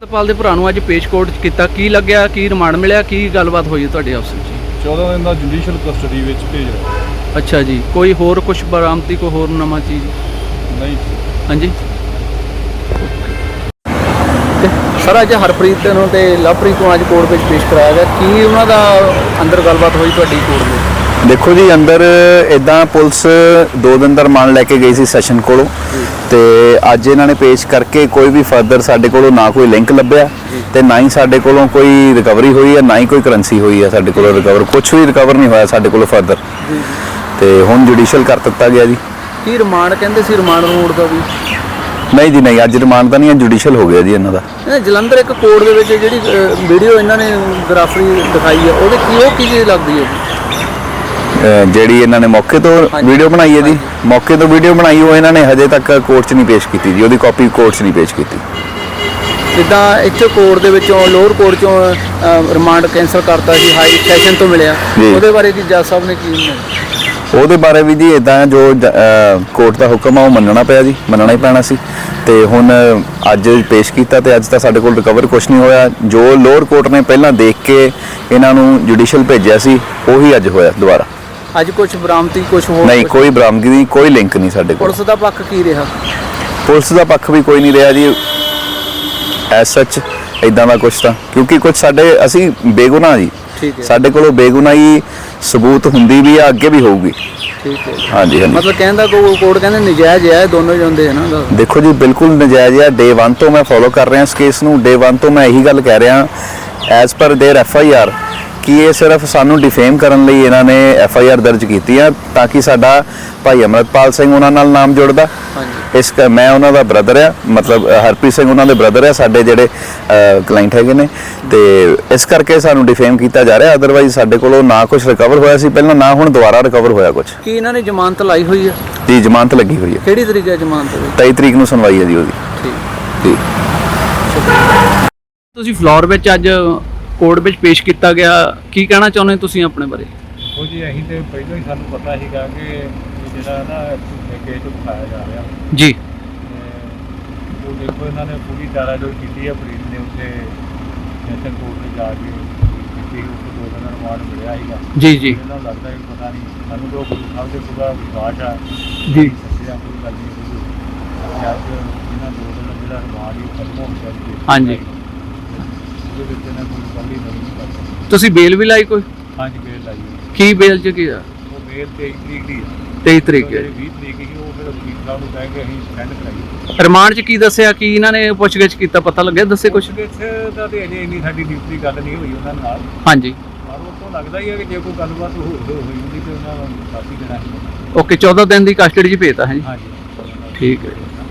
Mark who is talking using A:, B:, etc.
A: ਸਤਪਾਲ ਦੇ ਭਰਾ ਨੂੰ ਅੱਜ ਪੇਸ਼ ਕੋਰਟ 'ਚ ਕੀਤਾ, ਕੀ ਲੱਗਿਆ, ਕੀ ਰਿਮਾਂਡ ਮਿਲਿਆ, ਕੀ ਗੱਲਬਾਤ ਹੋਈ ਤੁਹਾਡੇ ਆਪਸ ਵਿੱਚ?
B: 14 ਦਿਨ ਦਾ ਜੁਡੀਸ਼ੀਅਲ ਕਸਟਡੀ ਵਿੱਚ ਭੇਜ ਰਿਹਾ।
A: ਅੱਛਾ ਜੀ, ਕੋਈ ਹੋਰ ਕੁਝ ਬਰਾਮਦੀ, ਕੋਈ ਹੋਰ ਨਵਾਂ ਚੀਜ਼?
B: ਨਹੀਂ।
A: ਹਾਂਜੀ ਸਰ, ਅੱਜ ਹਰਪ੍ਰੀਤ ਨੂੰ ਤੇ ਲਵਪ੍ਰੀਤ ਨੂੰ ਅੱਜ ਕੋਰਟ ਵਿੱਚ ਪੇਸ਼ ਕਰਾਇਆ ਗਿਆ, ਕੀ ਉਹਨਾਂ ਦਾ ਅੰਦਰ ਗੱਲਬਾਤ ਹੋਈ ਤੁਹਾਡੀ ਕੋਰਟ ਵਿੱਚ?
C: देखो जी, अंदर इदा पुलिस 2 दिन का रिमांड लैके गई सी सैशन कोलों, तो अज इन्होंने पेश करके कोई भी फर्दर साडे कोलों ना कोई लिंक लभ्या ते ना ही साडे कोलों कोई रिकवरी हुई है, ना ही कोई करंसी हुई है साडे कोलों रिकवर, कुछ भी रिकवर नहीं होया साडे कोलों फर्दर। तो हुण जुडिशियल कर दिता गया जी।
A: की रिमांड कहते सी, रिमांड रूड का भी
C: नहीं जी, नहीं, अज रिमांड तो नहीं, जुडिशियल हो गया जी इन्हां दा।
A: जलंधर एक कोर्ट दे विच जिहड़ी वीडियो इन्होंने ग्राफरी दिखाई है, ਉਹਦੇ ਕੀ ਉਹ ਕੀ ਚੀਜ਼ ਲੱਗਦੀ ਹੈ ਜੀ?
C: ਜਿਹੜੀ ਇਹਨਾਂ ਨੇ ਮੌਕੇ ਤੋਂ ਵੀਡੀਓ ਬਣਾਈ ਹੈ ਜੀ, ਮੌਕੇ ਤੋਂ ਵੀਡੀਓ ਬਣਾਈ ਉਹ ਇਹਨਾਂ ਨੇ ਹਜੇ ਤੱਕ ਕੋਰਟ 'ਚ ਨਹੀਂ ਪੇਸ਼ ਕੀਤੀ ਜੀ, ਉਹਦੀ ਕਾਪੀ ਕੋਰਟ 'ਚ ਨਹੀਂ ਪੇਸ਼ ਕੀਤੀ।
A: ਜਿੱਦਾਂ ਇੱਥੇ ਕੋਰਟ ਦੇ ਵਿੱਚੋਂ ਲੋਅਰ ਕੋਰਟ 'ਚੋਂ ਰਿਮਾਂਡ ਕੈਂਸਲ ਕਰਤਾ ਸੀ, ਹਾਈ ਸੈਸ਼ਨ ਤੋਂ ਮਿਲਿਆ, ਉਹਦੇ ਬਾਰੇ ਕੀ ਜੱਜ ਸਾਹਿਬ ਨੇ ਕੀ?
C: ਉਹਦੇ ਬਾਰੇ ਵੀ ਜੀ ਇਦਾਂ ਜੋ ਕੋਰਟ ਦਾ ਹੁਕਮ ਆ ਉਹ ਮੰਨਣਾ ਪਿਆ ਜੀ, ਮੰਨਣਾ ਹੀ ਪੈਣਾ ਸੀ। ਤੇ ਹੁਣ ਅੱਜ ਪੇਸ਼ ਕੀਤਾ ਤੇ ਅੱਜ ਤਾਂ ਸਾਡੇ ਕੋਲ ਰਿਕਵਰ ਕੁਝ ਨਹੀਂ ਹੋਇਆ। ਜੋ ਲੋਅਰ ਕੋਰਟ ਨੇ ਪਹਿਲਾਂ ਦੇਖ ਕੇ ਇਹਨਾਂ ਨੂੰ ਜੁਡੀਸ਼ੀਅਲ ਭੇਜਿਆ ਸੀ ਉਹੀ ਅੱਜ ਹੋਇਆ ਦੁਬਾਰਾ।
A: ਅੱਜ ਕੁਝ ਬਰਾਮਦੀ, ਕੁਝ ਹੋਰ
C: ਨਹੀਂ, ਕੋਈ ਬਰਾਮਦਗੀ ਨਹੀਂ, ਕੋਈ ਲਿੰਕ ਨਹੀਂ ਸਾਡੇ ਕੋਲ।
A: ਪੁਲਿਸ ਦਾ ਪੱਖ ਕੀ ਰਿਹਾ?
C: ਪੁਲਿਸ ਦਾ ਪੱਖ ਵੀ ਕੋਈ ਨਹੀਂ ਰਿਹਾ ਜੀ ਐਸ ਸੱਚ, ਇਦਾਂ ਦਾ ਕੁਝ ਤਾਂ, ਕਿਉਂਕਿ ਕੁਝ ਸਾਡੇ ਅਸੀਂ ਬੇਗੁਨਾਹ ਜੀ, ਸਾਡੇ ਕੋਲੋਂ ਬੇਗੁਨਾਹੀ ਸਬੂਤ ਹੁੰਦੀ ਵੀ ਆ, ਅੱਗੇ ਵੀ ਹੋਊਗੀ।
A: ਠੀਕ ਹੈ,
C: ਹਾਂਜੀ ਹਾਂਜੀ।
A: ਮਤਲਬ ਕਹਿੰਦਾ ਕੋਰਟ ਕਹਿੰਦੇ ਨਜਾਇਜ਼ ਹੈ, ਦੋਨੋਂ ਜਾਂਦੇ ਹੈ ਨਾ?
C: ਦੇਖੋ ਜੀ, ਬਿਲਕੁਲ ਨਜਾਇਜ਼ ਹੈ। ਡੇ 1 ਤੋਂ ਮੈਂ ਫੋਲੋ ਕਰ ਰਿਹਾ ਇਸ ਕੇਸ ਨੂੰ, ਡੇ 1 ਤੋਂ ਮੈਂ ਇਹੀ ਗੱਲ ਕਹਿ ਰਿਹਾ ਐਜ਼ ਪਰ ਦੇਅਰ FIR ਕਿ ਇਹ ਸਿਰਫ ਸਾਨੂੰ ਡਿਫੇਮ ਕਰਨ ਲਈ ਇਹਨਾਂ ਨੇ FIR ਦਰਜ ਕੀਤੀ ਆ, ਤਾਂ ਕਿ ਸਾਡਾ ਭਾਈ ਅਮਰਤਪਾਲ ਸਿੰਘ ਉਹਨਾਂ ਨਾਲ ਨਾਮ ਜੁੜਦਾ। ਇਸ ਮੈਂ ਉਹਨਾਂ ਦਾ ਬ੍ਰਦਰ ਆ, ਮਤਲਬ ਹਰਪ੍ਰੀਤ ਸਿੰਘ ਉਹਨਾਂ ਦੇ ਬ੍ਰਦਰ ਆ, ਸਾਡੇ ਜਿਹੜੇ ਕਲਾਇੰਟ ਹੈਗੇ ਨੇ, ਤੇ ਇਸ ਕਰਕੇ ਸਾਨੂੰ ਡਿਫੇਮ ਕੀਤਾ ਜਾ ਰਿਹਾ। ਅਦਰਵਾਈਜ਼ ਸਾਡੇ ਕੋਲੋਂ ਨਾ ਕੁਝ ਰਿਕਵਰ ਹੋਇਆ ਸੀ ਪਹਿਲਾਂ, ਨਾ ਹੁਣ ਦੁਬਾਰਾ ਰਿਕਵਰ ਹੋਇਆ ਕੁਝ।
A: ਕੀ ਇਹਨਾਂ ਨੇ ਜ਼ਮਾਨਤ ਲਾਈ ਹੋਈ ਹੈ?
C: ਜੀ, ਜ਼ਮਾਨਤ ਲੱਗੀ ਹੋਈ ਹੈ।
A: ਕਿਹੜੀ ਤਰੀਕ ਹੈ ਜ਼ਮਾਨਤ ਦੀ?
C: 23 ਤਰੀਕ ਨੂੰ ਸੁਣਵਾਈ ਹੈ ਜੀ ਉਹਦੀ।
A: ਠੀਕ
C: ਜੀ।
A: ਤੁਸੀਂ ਫਲੋਰ ਵਿੱਚ ਅੱਜ ਕੋਰਟ ਵਿੱਚ ਪੇਸ਼ ਕੀਤਾ ਗਿਆ, ਕੀ ਕਹਿਣਾ ਚਾਹੁੰਦੇ ਤੁਸੀਂ ਆਪਣੇ ਬਾਰੇ?
B: ਉਹ ਜੀ ਅਸੀਂ ਤੇ ਪਹਿਲਾਂ ਹੀ ਸਾਨੂੰ ਪਤਾ ਸੀਗਾ ਕਿ ਜਿਹੜਾ ਨਾ ਕੇਸ ਉਠਾਇਆ ਜਾ ਰਿਹਾ
A: ਜੀ,
B: ਉਹ ਦੇਖੋ ਇਹਨਾਂ ਨੇ ਪੂਰੀ ਚਾਰਾਜੋਈ ਕੀਤੀ ਹੈ। ਪ੍ਰੀਤ ਨੇ ਉੱਥੇ ਸੈਸ਼ਨ ਕੋਰਟ 'ਤੇ ਜਾ ਕੇ ਕੀਤੀ, ਉੱਥੇ 2 ਦਿਨ ਦਾ ਰਿਮਾਂਡ ਮਿਲਿਆ ਸੀਗਾ
A: ਜੀ ਜੀ।
B: ਇਹਨਾਂ ਨੂੰ ਲੱਗਦਾ ਕਿ ਪਤਾ ਨਹੀਂ, ਸਾਨੂੰ ਤਾਂ ਗੁਰੂ ਸਾਹਿਬ ਦੇ ਪੂਰਾ ਵਿਸ਼ਵਾਸ ਆ
A: ਜੀ,
B: ਸੱਚਿਆ ਕੋਈ ਗੱਲ ਨਹੀਂ ਹੋਈ। ਅੱਜ ਇਹਨਾਂ 2 ਦਿਨ ਦਾ ਜਿਹੜਾ ਰਿਮਾਂਡ ਹੀ ਖਤਮ ਹੋ ਗਿਆ ਜੀ।
A: ਹਾਂਜੀ।
B: ਉਹਦੇ ਵਿੱਚ ਇਹਨਾਂ ਕੋਈ ਗੱਲ ਹੀ ਨਹੀਂ ਕਰ ਸਕਦੀ।
A: ਤੁਸੀਂ ਬੇਲ ਵੀ ਲਾਈ ਕੋਈ?
B: ਹਾਂਜੀ, ਬੇਲ ਲਾਈ ਹੋਈ।
A: ਕੀ ਬੇਲ 'ਚ ਕੀ ਆ?
B: ਉਹ ਬੇਲ 23 ਤਰੀਕ ਦੀ ਹੈ।
A: 23 ਤਰੀਕ ਹੈ।
B: 20 ਤਰੀਕ ਦੀ ਉਹ ਫਿਰ ਵਕੀਲ ਸਾਹਿਬ ਨੂੰ ਕਹਿ ਕੇ ਅਸੀਂ ਸਟੈਂਡ ਕਰਾਈ।
A: ਰਿਮਾਂਡ 'ਚ ਕੀ ਦੱਸਿਆ, ਕੀ ਇਹਨਾਂ ਨੇ ਪੁੱਛਗਿੱਛ ਕੀਤਾ, ਪਤਾ ਲੱਗਿਆ? ਦੱਸੇ ਕੁਝ?
B: ਦਾ ਤੇ ਅਜੇ ਇੰਨੀ ਸਾਡੀ ਡਿਊਟੀ ਗੱਲ ਨਹੀਂ ਹੋਈ ਉਹਨਾਂ ਨਾਲ।
A: ਹਾਂਜੀ।
B: ਪਰ ਉਹ ਤੋਂ ਲੱਗਦਾ ਹੀ ਹੈ ਕਿ ਜੇ ਕੋਈ ਗੱਲਬਾਤ ਹੋਈ ਹੁੰਦੀ ਤੇ ਉਹਨਾਂ ਨੂੰ ਕਾਫੀ ਦੇਣਾ ਸੀ।
A: ਓਕੇ, 14 ਦਿਨ ਦੀ ਕਸਟਡੀ 'ਚ ਭੇਜਤਾ ਹੈ ਜੀ?
B: ਹਾਂਜੀ,
A: ਠੀਕ ਹੈ।